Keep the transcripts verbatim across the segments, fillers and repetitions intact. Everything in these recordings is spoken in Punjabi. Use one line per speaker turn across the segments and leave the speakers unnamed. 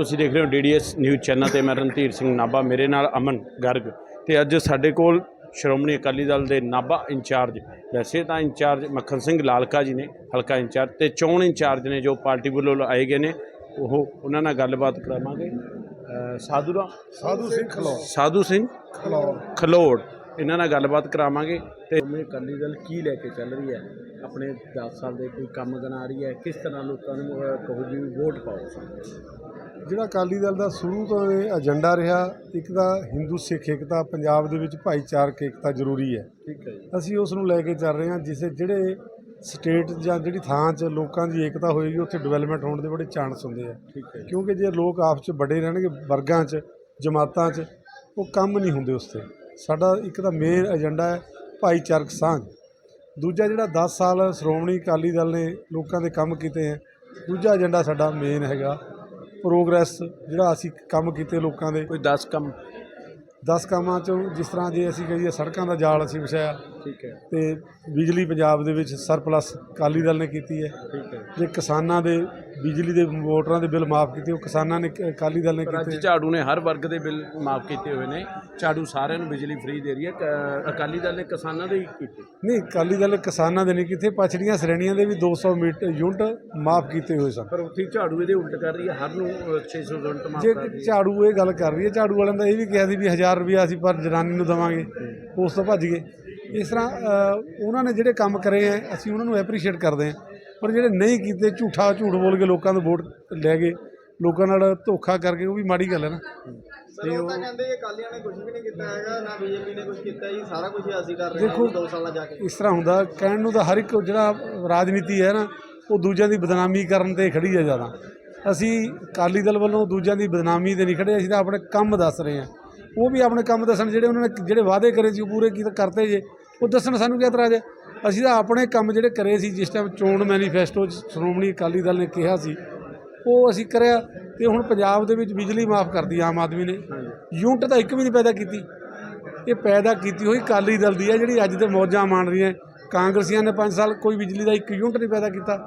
ਤੁਸੀਂ ਦੇਖ ਰਹੇ ਹੋ D D S news channel ਤੇ ਮੈਂ ਰਣਧੀਰ ਸਿੰਘ ਨਾਭਾ, ਮੇਰੇ ਨਾਲ ਅਮਨ ਗਰਗ। ਤੇ ਅੱਜ ਸਾਡੇ ਕੋਲ ਸ਼੍ਰੋਮਣੀ ਅਕਾਲੀ ਦਲ ਦੇ ਨਾਭਾ ਇੰਚਾਰਜ, ਵੈਸੇ ਤਾਂ ਇੰਚਾਰਜ ਮੱਖਣ ਸਿੰਘ ਲਾਲਕਾ ਜੀ ਨੇ, ਹਲਕਾ ਇੰਚਾਰਜ, ਤੇ ਚੋਣ ਇੰਚਾਰਜ ਨੇ ਜੋ ਪਾਰਟੀ ਵੱਲੋਂ ਆਏ ਗਏ ਨੇ, ਉਹ ਉਹਨਾਂ ਨਾਲ ਗੱਲਬਾਤ ਕਰਾਵਾਂਗੇ। ਸਾਧੂ ਰਾਮ
ਸਾਧੂ ਸਿੰਘ ਖਲੌੜ
ਸਾਧੂ ਸਿੰਘ
ਖਲੌੜ
ਖਲੌੜ ਇਹਨਾਂ ਨਾਲ ਗੱਲਬਾਤ ਕਰਾਵਾਂਗੇ। ਤੇ ਅਕਾਲੀ ਦਲ ਕੀ ਲੈ ਕੇ ਚੱਲ ਰਹੀ ਹੈ, ਆਪਣੇ ਦਸ ਸਾਲ ਦੇ ਕੋਈ ਕੰਮ ਬਣਾ ਰਹੀ ਹੈ, ਕਿਸ ਤਰ੍ਹਾਂ ਲੋਕਾਂ ਨੂੰ ਕਹੂਗੀ ਵੋਟ ਪਾਓ।
ਜਿਹੜਾ ਅਕਾਲੀ ਦਲ ਦਾ ਸ਼ੁਰੂ ਤੋਂ ਇਹ ਏਜੰਡਾ ਰਿਹਾ, ਇੱਕ ਤਾਂ ਹਿੰਦੂ ਸਿੱਖ ਏਕਤਾ, ਪੰਜਾਬ ਦੇ ਵਿੱਚ ਭਾਈਚਾਰਕ ਏਕਤਾ ਜ਼ਰੂਰੀ ਹੈ।
ਠੀਕ ਹੈ ਜੀ।
ਅਸੀਂ ਉਸ ਨੂੰ ਲੈ ਕੇ ਚੱਲ ਰਹੇ ਹਾਂ। ਜਿਸੇ ਜਿਹੜੇ ਸਟੇਟ ਜਾਂ ਜਿਹੜੀ ਥਾਂ 'ਚ ਲੋਕਾਂ ਦੀ ਏਕਤਾ ਹੋਏਗੀ, ਉੱਥੇ ਡਿਵੈਲਪਮੈਂਟ ਹੋਣ ਦੇ ਬੜੇ ਚਾਂਸ ਹੁੰਦੇ ਆ।
ਠੀਕ ਹੈ।
ਕਿਉਂਕਿ ਜੇ ਲੋਕ ਆਪਸ 'ਚ ਵੱਡੇ ਰਹਿਣਗੇ ਵਰਗਾਂ 'ਚ, ਜਮਾਤਾਂ 'ਚ, ਉਹ ਕੰਮ ਨਹੀਂ ਹੁੰਦੇ। ਉਸ 'ਤੇ ਸਾਡਾ ਇੱਕ ਤਾਂ ਮੇਨ ਏਜੰਡਾ ਹੈ ਭਾਈਚਾਰਕ ਸਾਂਝ। ਦੂਜਾ ਜਿਹੜਾ ਦਸ ਸਾਲ ਸ਼੍ਰੋਮਣੀ ਅਕਾਲੀ ਦਲ ਨੇ ਲੋਕਾਂ ਦੇ ਕੰਮ ਕੀਤੇ ਹੈ, ਦੂਜਾ ਏਜੰਡਾ ਸਾਡਾ ਮੇਨ ਹੈਗਾ ਪ੍ਰੋਗਰੈਸ। ਜਿਹੜਾ ਅਸੀਂ ਕੰਮ ਕੀਤੇ ਲੋਕਾਂ ਦੇ,
ਕੋਈ ਦਸ ਕੰਮ
ਦਸ ਕੰਮਾਂ 'ਚੋਂ ਜਿਸ ਤਰ੍ਹਾਂ ਜੇ ਅਸੀਂ ਕਹੀਏ ਸੜਕਾਂ ਦਾ ਜਾਲ ਅਸੀਂ ਵਿਛਾਇਆ।
ਠੀਕ ਹੈ।
ਤੇ ਬਿਜਲੀ ਪੰਜਾਬ ਦੇ ਵਿੱਚ ਸਰਪਲਸ ਅਕਾਲੀ ਦਲ ਨੇ ਕੀਤੀ ਹੈ।
ਠੀਕ ਹੈ।
ਜੇ ਕਿਸਾਨਾਂ ਦੇ ਬਿਜਲੀ ਦੇ ਮੋਟਰਾਂ ਦੇ ਬਿੱਲ ਮਾਫ ਕੀਤੇ, ਉਹ ਕਿਸਾਨਾਂ ਨੇ ਅਕਾਲੀ ਦਲ ਨੇ
ਪਰ ਅੱਜ
ਕੀਤੇ।
ਝਾੜੂ ਨੇ ਹਰ ਵਰਗ ਦੇ ਬਿੱਲ ਮਾਫ ਕੀਤੇ ਹੋਏ ਨੇ। ਝਾੜੂ ਸਾਰਿਆਂ ਨੂੰ ਬਿਜਲੀ ਫ੍ਰੀ ਦੇ ਰਹੀ ਹੈ, ਕ- ਅਕਾਲੀ ਦਲ ਨੇ ਕਿਸਾਨਾਂ ਦੇ ਹੀ ਕੀਤੇ।
ਨਹੀਂ, ਅਕਾਲੀ ਦਲ ਕਿਸਾਨਾਂ ਦੇ ਨਹੀਂ ਕੀਤੇ, ਪਛੜੀਆਂ ਸ਼੍ਰੇਣੀਆਂ ਦੇ ਵੀ ਦੋ ਸੌ ਮੀਟਰ ਯੂਨਿਟ ਮਾਫ ਕੀਤੇ ਹੋਏ ਸਨ।
ਪਰ ਉੱਥੇ ਝਾੜੂ ਇਹਦੇ ਉਲਟ ਕਰ ਰਹੀ ਹੈ, ਹਰ ਨੂੰ ਛੇ ਸੌ ਯੂਨਿਟ ਮਾਫ
ਜੇ
ਕਰ ਰਹੀ ਹੈ।
ਝਾੜੂ ਇਹ ਗੱਲ ਕਰ ਰਹੀ ਹੈ, ਝਾੜੂ ਵਾਲਿਆਂ ਦਾ ਇਹ ਵੀ ਕਿਹਾ ਸੀ ਵੀ ਹਜ਼ਾਰ ਰੁਪਇਆ ਅਸੀਂ ਪਰ ਜਨਾਨੀ ਨੂੰ ਦੇਵਾਂਗੇ, ਉਸ ਤੋਂ ਭੱਜ ਗਏ। ਇਸ ਤਰ੍ਹਾਂ ਉਹਨਾਂ ਨੇ ਜਿਹੜੇ ਕੰਮ ਕਰੇ ਹੈ, ਅਸੀਂ ਉਹਨਾਂ ਨੂੰ ਐਪਰੀਸ਼ੀਏਟ ਕਰਦੇ ਹਾਂ। ਪਰ ਜਿਹੜੇ ਨਹੀਂ ਕੀਤੇ, ਝੂਠਾ ਝੂਠ ਬੋਲ ਕੇ ਲੋਕਾਂ ਤੋਂ ਵੋਟ ਲੈ ਗਏ, ਲੋਕਾਂ ਨਾਲ ਧੋਖਾ ਕਰਕੇ, ਉਹ ਵੀ ਮਾੜੀ ਗੱਲ ਹੈ ਨਾ।
ਤੇ ਉਹ ਤਾਂ ਕਹਿੰਦੇ ਅਕਾਲੀਆਂ ਨੇ ਕੁਝ ਵੀ ਨਹੀਂ ਕੀਤਾ ਹੈਗਾ, ਨਾ ਬੀਜੇਪੀ ਨੇ ਕੁਝ ਕੀਤਾ ਜੀ, ਸਾਰਾ ਕੁਝ ਅਸੀਂ ਕਰ ਰਹੇ ਹਾਂ ਦੋ ਸਾਲਾਂ ਜਾ ਕੇ।
ਇਸ ਤਰ੍ਹਾਂ ਹੁੰਦਾ, ਕਹਿਣ ਨੂੰ ਤਾਂ ਹਰ ਇੱਕ ਜਿਹੜਾ ਰਾਜਨੀਤੀ ਹੈ ਨਾ, ਉਹ ਦੂਜਿਆਂ ਦੀ ਬਦਨਾਮੀ ਕਰਨ 'ਤੇ ਖੜੀ ਹੈ ਜ਼ਿਆਦਾ। ਅਸੀਂ ਅਕਾਲੀ ਦਲ ਵੱਲੋਂ ਦੂਜਿਆਂ ਦੀ ਬਦਨਾਮੀ 'ਤੇ ਨਹੀਂ ਖੜੇ, ਅਸੀਂ ਤਾਂ ਆਪਣੇ ਕੰਮ ਦੱਸ ਰਹੇ ਹਾਂ। ਉਹ ਵੀ ਆਪਣੇ ਕੰਮ ਦੱਸਣ, ਜਿਹੜੇ ਉਹਨਾਂ ਨੇ ਜਿਹੜੇ ਵਾਅਦੇ ਕਰੇ ਸੀ ਉਹ ਪੂਰੇ ਕੀ ਕਰਤੇ ਜੇ, ਉਹ ਦੱਸਣ। ਸਾਨੂੰ ਕੀ ਇਤਰਾਜ਼ ਹੈ? ਅਸੀਂ ਤਾਂ ਆਪਣੇ ਕੰਮ ਜਿਹੜੇ ਕਰੇ ਸੀ, ਜਿਸ ਟਾਈਮ ਚੋਣ ਮੈਨੀਫੈਸਟੋ 'ਚ ਸ਼੍ਰੋਮਣੀ ਅਕਾਲੀ ਦਲ ਨੇ ਕਿਹਾ ਸੀ, ਉਹ ਅਸੀਂ ਕਰਿਆ। ਤੇ ਹੁਣ ਪੰਜਾਬ ਦੇ ਵਿੱਚ ਬਿਜਲੀ ਮਾਫ ਕਰਦੀ ਆਮ ਆਦਮੀ ਨੇ, ਯੂਨਿਟ ਤਾਂ ਇੱਕ ਵੀ ਨਹੀਂ ਪੈਦਾ ਕੀਤੀ। ਇਹ ਪੈਦਾ ਕੀਤੀ ਹੋਈ ਅਕਾਲੀ ਦਲ ਦੀ ਹੈ, ਜਿਹੜੀ ਅੱਜ ਤੇ ਮੌਜਾਂ ਮਾਣ ਰਹੀਆਂ। ਕਾਂਗਰਸੀਆਂ ਨੇ ਪੰਜ ਸਾਲ ਕੋਈ ਬਿਜਲੀ ਦਾ ਇੱਕ ਯੂਨਿਟ ਨਹੀਂ ਪੈਦਾ ਕੀਤਾ।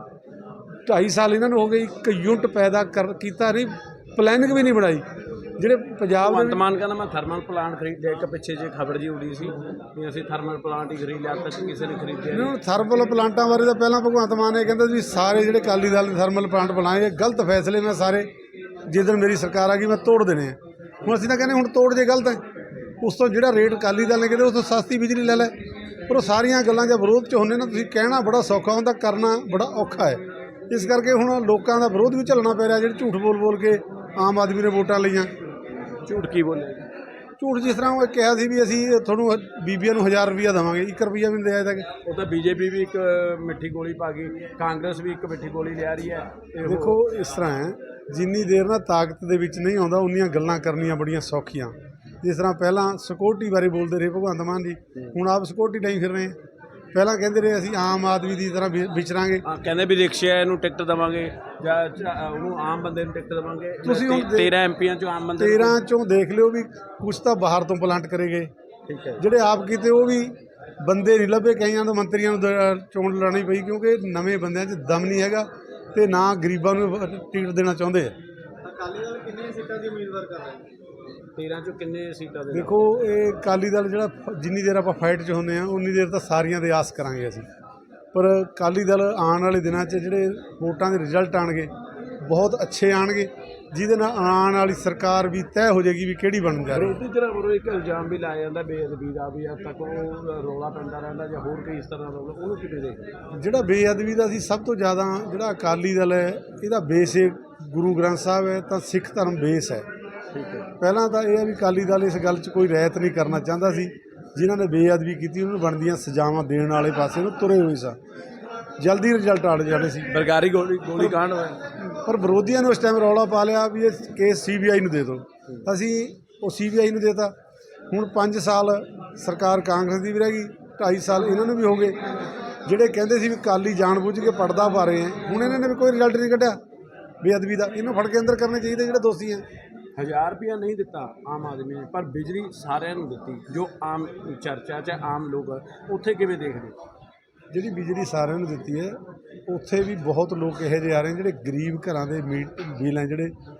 ਢਾਈ ਸਾਲ ਇਹਨਾਂ ਨੂੰ ਹੋ ਗਏ, ਇੱਕ ਯੂਨਿਟ ਪੈਦਾ ਕਰ ਕੀਤਾ ਨਹੀਂ, ਪਲੈਨਿੰਗ ਵੀ ਨਹੀਂ ਬਣਾਈ। ਜਿਹੜੇ ਪੰਜਾਬ ਦੇ
ਵਰਤਮਾਨ ਕਹਿੰਦਾ ਮੈਂ ਥਰਮਲ ਪਲਾਂਟ ਖਰੀਦ ਲਿਆ, ਇੱਕ ਪਿੱਛੇ ਜੇ ਖਬਰ ਜੀ ਉੜੀ ਸੀ ਵੀ ਅਸੀਂ ਥਰਮਲ ਪਲਾਂਟ ਹੀ ਖਰੀਦ ਲਿਆ, ਤੱਕ ਕਿਸੇ ਨੇ ਖਰੀਦਿਆ ਨਹੀਂ।
ਹੁਣ ਥਰਮਲ ਪਲਾਂਟਾਂ ਬਾਰੇ ਤਾਂ ਪਹਿਲਾਂ ਭਗਵੰਤ ਮਾਨ ਨੇ ਕਹਿੰਦਾ ਵੀ ਸਾਰੇ ਜਿਹੜੇ ਅਕਾਲੀ ਦਲ ਨੇ ਥਰਮਲ ਪਲਾਂਟ ਬਣਾਏ, ਗਲਤ ਫੈਸਲੇ ਮੈਂ ਸਾਰੇ ਜਿੱਦਣ ਮੇਰੀ ਸਰਕਾਰ ਆ ਗਈ ਮੈਂ ਤੋੜ ਦੇਣੇ ਆ। ਹੁਣ ਅਸੀਂ ਤਾਂ ਕਹਿੰਦੇ ਹੁਣ ਤੋੜ ਜੇ ਗਲਤ ਹੈ, ਉਸ ਤੋਂ ਜਿਹੜਾ ਰੇਟ ਅਕਾਲੀ ਦਲ ਨੇ ਕਹਿੰਦੇ ਉਸ ਤੋਂ ਸਸਤੀ ਬਿਜਲੀ ਲੈ ਲੈ। ਪਰ ਉਹ ਸਾਰੀਆਂ ਗੱਲਾਂ ਜਾਂ ਵਿਰੋਧ 'ਚ ਹੁੰਦੇ ਨਾ, ਤੁਸੀਂ ਕਹਿਣਾ ਬੜਾ ਸੌਖਾ ਹੁੰਦਾ, ਕਰਨਾ ਬੜਾ ਔਖਾ ਹੈ। ਇਸ ਕਰਕੇ ਹੁਣ ਲੋਕਾਂ ਦਾ ਵਿਰੋਧ ਵੀ ਝੱਲਣਾ ਪੈ ਰਿਹਾ, ਜਿਹੜੇ ਝੂਠ ਬੋਲ ਬੋਲ ਕੇ ਆਮ ਆਦਮੀ ਨੇ ਵੋਟਾਂ ਲਈਆਂ।
ਝੂਠ ਕੀ ਬੋਲੇ?
ਝੂਠ ਜਿਸ ਤਰ੍ਹਾਂ ਉਹ ਕਿਹਾ ਸੀ ਵੀ ਅਸੀਂ ਤੁਹਾਨੂੰ ਬੀਬੀਆਂ ਨੂੰ ਹਜ਼ਾਰ ਰੁਪਈਆ ਦੇਵਾਂਗੇ, ਇੱਕ ਰੁਪਈਆ ਵੀ ਨਹੀਂ ਦਿਆ ਤੱਕ।
ਉਹ ਤਾਂ ਬੀਜੇਪੀ ਵੀ ਇੱਕ ਮਿੱਠੀ ਗੋਲੀ ਪਾ ਗਈ, ਕਾਂਗਰਸ ਵੀ ਇੱਕ ਮਿੱਠੀ ਗੋਲੀ ਲਿਆ ਰਹੀ ਹੈ। ਤੇ ਉਹ-
ਦੇਖੋ ਇਸ ਤਰ੍ਹਾਂ ਹੈ, ਜਿੰਨੀ ਦੇਰ ਨਾ ਤਾਕਤ ਦੇ ਵਿੱਚ ਨਹੀਂ ਆਉਂਦਾ, ਉਨੀਆਂ ਗੱਲਾਂ ਕਰਨੀਆਂ ਬੜੀਆਂ ਸੌਖੀਆਂ। ਜਿਸ ਤਰ੍ਹਾਂ ਪਹਿਲਾਂ ਸਿਕਿਉਰਟੀ ਬਾਰੇ ਬੋਲਦੇ ਰਹੇ ਭਗਵੰਤ ਮਾਨ ਜੀ, ਹੁਣ ਆਪ ਸਿਕਿਉਰਟੀ ਲਈ ਫਿਰ ਰਹੇ ਹਾਂ। ਪਹਿਲਾਂ ਕਹਿੰਦੇ ਰਹੇ ਅਸੀਂ ਆਮ ਆਦਮੀ ਦੀ ਤਰ੍ਹਾਂ ਵਿ- ਵਿਚਰਾਂਗੇ।
ਹਾਂ, ਕਹਿੰਦੇ ਵੀ ਰਿਕਸ਼ਾ ਨੂੰ ਟਿਕਟ ਦੇਵਾਂਗੇ ਜਾਂ ਜਾਂ ਉਹਨੂੰ ਆਮ ਬੰਦੇ ਨੂੰ ਟਿਕਟ ਦੇਵਾਂਗੇ।
ਤੁਸੀਂ ਹੁਣ
ਤੇਰਾਂ ਐਮ ਪੀਆਂ ਚੋਂ ਆਮ ਬੰਦੇ ਨੂੰ-
ਤੇਰਾਂ ਚੋਂ ਦੇਖ ਲਿਓ ਵੀ ਕੁਛ ਤਾਂ ਬਾਹਰ ਤੋਂ ਪਲਾਂਟ ਕਰੇ ਗਏ।
ਠੀਕ ਹੈ।
ਜਿਹੜੇ ਆਪ ਕੀਤੇ ਉਹ ਵੀ ਬੰਦੇ ਨਹੀਂ ਲੱਭੇ, ਕਈਆਂ ਤੋਂ ਮੰਤਰੀਆਂ ਨੂੰ ਦ- ਚੋਣ ਲੜਾਉਣੀ ਪਈ, ਕਿਉਂਕਿ ਨਵੇਂ ਬੰਦਿਆਂ 'ਚ ਦਮ ਨਹੀਂ ਹੈਗਾ ਤੇ ਨਾ ਗਰੀਬਾਂ ਨੂੰ ਟਿਕਟ ਦੇਣਾ ਚਾਹੁੰਦੇ ਆ।
ਅਕਾਲੀ ਦਲ ਕਿੰਨੀਆਂ ਸੀਟਾਂ ਦੀ ਉਮੀਦਵਾਰ ਕਰ ਰਹੇ ਨੇ?
ਤੇਰਾਂ ਚੋਂ ਕਿੰਨੇ ਸੀਟਾਂ ਦੇ?
ਦੇਖੋ ਇਹ ਅਕਾਲੀ ਦਲ ਜਿਹੜਾ ਜਿੰਨੀ ਦੇਰ ਆਪਾਂ ਫਾਈਟ 'ਚ ਹੁੰਦੇ ਆ, ਉਨੀ ਦੇਰ ਤਾਂ ਸਾਰੀਆਂ ਦੇ ਆਸ ਕਰਾਂਗੇ ਅਸੀਂ। ਪਰ ਅਕਾਲੀ ਦਲ ਆਉਣ ਵਾਲੇ ਦਿਨਾਂ 'ਚ ਜਿਹੜੇ ਵੋਟਾਂ ਦੇ ਰਿਜ਼ਲਟ ਆਉਣਗੇ ਬਹੁਤ ਅੱਛੇ ਆਉਣਗੇ, ਜਿਹਦੇ ਨਾਲ ਆਉਣ ਵਾਲੀ ਸਰਕਾਰ ਵੀ ਤੈਅ ਹੋ ਜਾਏਗੀ ਵੀ ਕਿਹੜੀ ਬਣਨ ਜਾ ਰਹੀ ਹੈ।
ਵਿਰੋਧੀ ਧਿਰਾਂ ਵੱਲੋਂ ਇੱਕ ਇਲਜ਼ਾਮ ਵੀ ਲਾਇਆ ਜਾਂਦਾ ਬੇਅਦਬੀ ਦਾ, ਵੀ ਅੱਜ ਤੱਕ ਉਹ ਰੌਲਾ ਪੈਂਦਾ ਰਹਿੰਦਾ ਜਾਂ ਹੋਰ ਕੋਈ ਇਸ ਤਰ੍ਹਾਂ ਦਾ, ਉਹਨੂੰ ਕਿਵੇਂ ਦੇਖਦੇ?
ਜਿਹੜਾ ਬੇਅਦਬੀ ਦਾ ਸੀ, ਸਭ ਤੋਂ ਜ਼ਿਆਦਾ ਜਿਹੜਾ ਅਕਾਲੀ ਦਲ ਹੈ, ਇਹਦਾ ਬੇਸ ਹੈ ਗੁਰੂ ਗ੍ਰੰਥ ਸਾਹਿਬ ਹੈ, ਤਾਂ ਸਿੱਖ ਧਰਮ ਬੇਸ ਹੈ।
ਠੀਕ ਹੈ।
ਪਹਿਲਾਂ ਤਾਂ ਇਹ ਹੈ ਵੀ ਅਕਾਲੀ ਦਲ ਇਸ ਗੱਲ 'ਚ ਕੋਈ ਰਹਿਤ ਨਹੀਂ ਕਰਨਾ ਚਾਹੁੰਦਾ ਸੀ। ਜਿਨ੍ਹਾਂ ਨੇ ਬੇਅਦਬੀ ਕੀਤੀ ਉਹਨਾਂ ਨੂੰ ਬਣਦੀਆਂ ਸਜ਼ਾਵਾਂ ਦੇਣ ਵਾਲੇ ਪਾਸੇ ਨੂੰ ਤੁਰੇ ਹੋਏ ਸਨ, ਜਲਦੀ ਰਿਜ਼ਲਟ ਆ ਜਾਣੇ ਸੀ।
ਬਰਗਾਰੀ ਗੋਲੀ ਗੋਲੀ ਕਾਂਡ ਹੋਇਆ,
ਪਰ ਵਿਰੋਧੀਆਂ ਨੇ ਉਸ ਟਾਈਮ ਰੌਲਾ ਪਾ ਲਿਆ ਵੀ ਇਹ ਕੇਸ ਸੀ ਬੀ ਆਈ ਨੂੰ ਦੇ ਦਿਓ। ਅਸੀਂ ਉਹ ਸੀ ਬੀ ਆਈ ਨੂੰ ਦੇਤਾ। ਹੁਣ ਪੰਜ ਸਾਲ ਸਰਕਾਰ ਕਾਂਗਰਸ ਦੀ ਵੀ ਰਹਿ ਗਈ, ਢਾਈ ਸਾਲ ਇਹਨਾਂ ਨੂੰ ਵੀ ਹੋ ਗਏ। ਜਿਹੜੇ ਕਹਿੰਦੇ ਸੀ ਵੀ ਅਕਾਲੀ ਜਾਣਬੁੱਝ ਕੇ ਪਰਦਾ ਪਾ ਰਹੇ ਹੈ, ਹੁਣ ਇਹਨਾਂ ਨੇ ਵੀ ਕੋਈ ਰਿਜ਼ਲਟ ਨਹੀਂ ਕੱਢਿਆ ਬੇਅਦਬੀ ਦਾ। ਇਹਨੂੰ ਫੜ ਕੇ ਅੰਦਰ ਕਰਨੇ ਚਾਹੀਦੇ ਜਿਹੜੇ ਦੋਸ਼ੀ ਹੈ।
ਹਜ਼ਾਰ ਰੁਪਇਆ ਨਹੀਂ ਦਿੱਤਾ ਆਮ ਆਦਮੀ ਨੇ, ਪਰ ਬਿਜਲੀ ਸਾਰਿਆਂ ਨੂੰ ਦਿੱਤੀ, ਜੋ ਆਮ ਚਰਚਾ 'ਚ ਆਮ ਲੋਕ ਉੱਥੇ ਕਿਵੇਂ ਦੇਖਦੇ?
ਜਿਹੜੀ ਬਿਜਲੀ ਸਾਰਿਆਂ ਨੂੰ ਦਿੱਤੀ ਹੈ, ਉੱਥੇ ਵੀ ਬਹੁਤ ਲੋਕ ਇਹੋ ਜਿਹੇ ਆ ਰਹੇ ਜਿਹੜੇ ਗਰੀਬ ਘਰਾਂ ਦੇ ਮੀਟ ਬਿੱਲ ਹੈ ਜਿਹੜੇ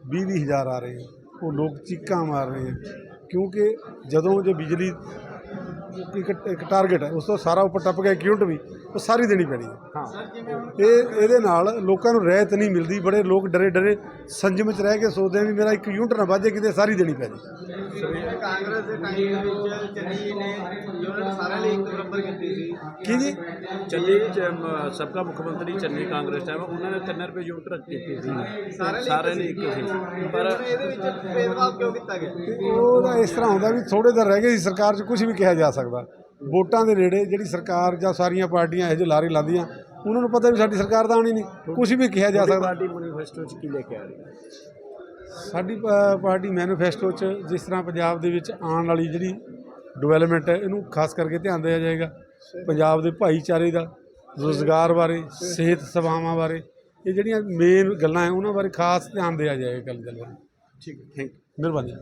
ਵੀਹ ਵੀਹ ਹਜ਼ਾਰ ਆ ਰਹੇ ਆ, ਉਹ ਲੋਕ ਚੀਕਾਂ ਮਾਰ ਰਹੇ ਆ, ਕਿਉਂਕਿ ਜਦੋਂ ਜੇ ਬਿਜਲੀ ਇੱਕ ਇੱਕ ਟਾਰਗੇਟ ਹੈ, ਉਸ ਤੋਂ ਸਾਰਾ ਉੱਪਰ ਟੱਪ ਗਿਆ ਇੱਕ ਯੂਨਿਟ ਵੀ, ਉਹ ਸਾਰੀ ਦੇਣੀ ਪੈਣੀ ਹੈ।
ਹਾਂ
ਇਹ ਇਹਦੇ ਨਾਲ ਲੋਕਾਂ ਨੂੰ ਰਹਿਤ ਨਹੀਂ ਮਿਲਦੀ, ਬੜੇ ਲੋਕ ਡਰੇ ਡਰੇ ਸੰਜਮ 'ਚ ਰਹਿ ਕੇ ਸੋਚਦੇ ਆ ਵੀ ਮੇਰਾ ਇੱਕ ਯੂਨਿਟ ਨਾ ਵੱਜੇ, ਕਿਤੇ ਸਾਰੀ ਦੇਣੀ ਪੈ ਜੇ।
ਕਾਂਗਰਸ ਦੇ ਟਾਈਮ ਦੇ ਵਿੱਚ ਚੰਨੀ ਜੀ ਨੇ ਯੂਨਿਟ ਸਾਰਿਆਂ ਲਈ ਇੱਕ ਬਰਾਬਰ ਕੀਤੀ ਸੀ।
ਕੀ ਜੀ?
ਚੰਨੀ ਸਬਕਾ ਮੁੱਖ ਮੰਤਰੀ ਚੰਨੀ ਕਾਂਗਰਸ ਟਾਈਮ ਉਹਨਾਂ ਨੇ ਤਿੰਨ ਰੁਪਏ ਯੂਨਿਟ ਰੱਖ ਕੀਤੀ ਸੀ, ਸਾਰੇ ਲਈ ਇੱਕ ਸੀ। ਪਰ
ਇਹਦੇ ਵਿੱਚ ਭੇਦਭਾਵ ਕਿਉਂ ਕੀਤਾ ਗਿਆ?
ਉਹਦਾ ਇਸ ਤਰ੍ਹਾਂ ਹੁੰਦਾ ਵੀ ਥੋੜ੍ਹੇ ਦਿਨ ਰਹਿ ਗਏ ਸੀ ਸਰਕਾਰ 'ਚ, ਕੁਝ ਵੀ ਕਿਹਾ ਜਾ ਸਕਦਾ। ਵੋਟਾਂ ਦੇ ਨੇੜੇ ਜਿਹੜੀ ਸਰਕਾਰ ਜਾਂ ਸਾਰੀਆਂ ਪਾਰਟੀਆਂ ਇਹੋ ਜਿਹੇ ਲਾਰੇ ਲਾਉਂਦੀਆਂ, ਉਹਨਾਂ ਨੂੰ ਪਤਾ ਵੀ ਸਾਡੀ ਸਰਕਾਰ ਤਾਂ ਆਉਣੀ ਨਹੀਂ, ਕੁਝ ਵੀ ਕਿਹਾ ਜਾ ਸਕਦਾ।
ਪਾਰਟੀ ਮੈਨੀਫੈਸਟੋ 'ਚ ਕੀ ਲੈ ਕੇ ਆ ਰਹੀ ਹੈ?
ਸਾਡੀ ਪ- ਪਾਰਟੀ ਮੈਨੀਫੈਸਟੋ 'ਚ ਜਿਸ ਤਰ੍ਹਾਂ ਪੰਜਾਬ ਦੇ ਵਿੱਚ ਆਉਣ ਵਾਲੀ ਜਿਹੜੀ ਡਿਵੈਲਪਮੈਂਟ ਹੈ, ਇਹਨੂੰ ਖਾਸ ਕਰਕੇ ਧਿਆਨ ਦਿਆ ਜਾਏਗਾ। ਪੰਜਾਬ ਦੇ ਭਾਈਚਾਰੇ ਦਾ, ਰੁਜ਼ਗਾਰ ਬਾਰੇ, ਸਿਹਤ ਸੇਵਾਵਾਂ ਬਾਰੇ, ਇਹ ਜਿਹੜੀਆਂ ਮੇਨ ਗੱਲਾਂ ਹੈ ਉਹਨਾਂ ਬਾਰੇ ਖਾਸ ਧਿਆਨ ਦਿਆ ਜਾਏਗਾ। ਗੱਲ ਗੱਲ
ਠੀਕ ਹੈ, ਥੈਂਕ ਯੂ।
ਮਿਹਰਬਾਨੀ।